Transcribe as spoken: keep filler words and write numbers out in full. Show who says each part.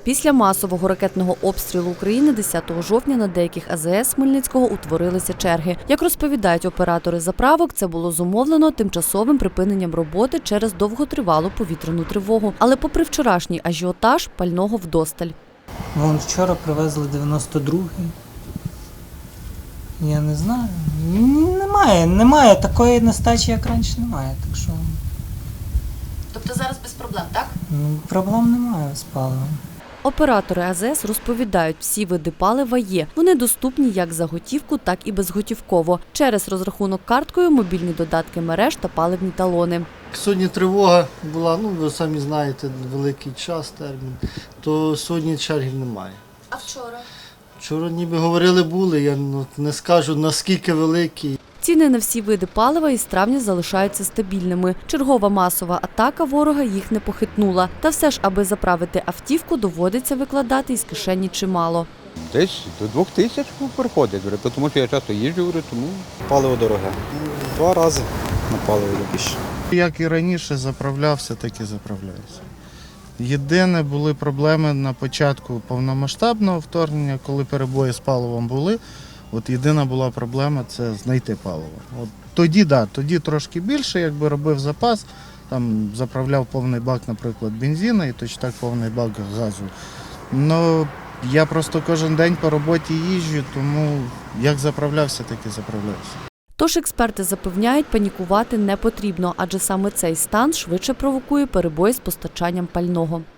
Speaker 1: Після масового ракетного обстрілу України десятого жовтня на деяких А З С Хмельницького утворилися черги. Як розповідають оператори заправок, це було зумовлено тимчасовим припиненням роботи через довготривалу повітряну тривогу. Але попри вчорашній ажіотаж, пального вдосталь.
Speaker 2: Вон вчора привезли дев'яносто другий. Я не знаю. Немає, немає такої нестачі, як раніше, немає. Так що...
Speaker 1: Тобто зараз без проблем, так?
Speaker 2: Ну, проблем немає з паливом.
Speaker 1: Оператори А З С розповідають, всі види палива є. Вони доступні як за готівку, так і безготівково. Через розрахунок карткою, мобільні додатки мереж та паливні талони.
Speaker 3: Сьогодні тривога була, ну ви самі знаєте, великий час, термін, то сьогодні чергів немає.
Speaker 1: А вчора?
Speaker 3: Вчора ніби говорили були, я ну, не скажу наскільки великі.
Speaker 1: Ціни на всі види палива із травня залишаються стабільними. Чергова масова атака ворога їх не похитнула. Та все ж, аби заправити автівку, доводиться викладати із кишені чимало.
Speaker 4: Десь до двох тисяч приходить, тому що я часто їжджу, тому
Speaker 5: паливо дороге. Два рази на паливо більше.
Speaker 6: Як і раніше заправлявся, так і заправляюся. Єдине, були проблеми на початку повномасштабного вторгнення, коли перебої з паливом були. От єдина була проблема – це знайти паливо. От тоді, да, тоді трошки більше, якби робив запас, там заправляв повний бак, наприклад, бензину і точно так повний бак газу. Ну, я просто кожен день по роботі їжджу, тому як заправлявся, так і заправлявся.
Speaker 1: Тож експерти запевняють, панікувати не потрібно, адже саме цей стан швидше провокує перебої з постачанням пального.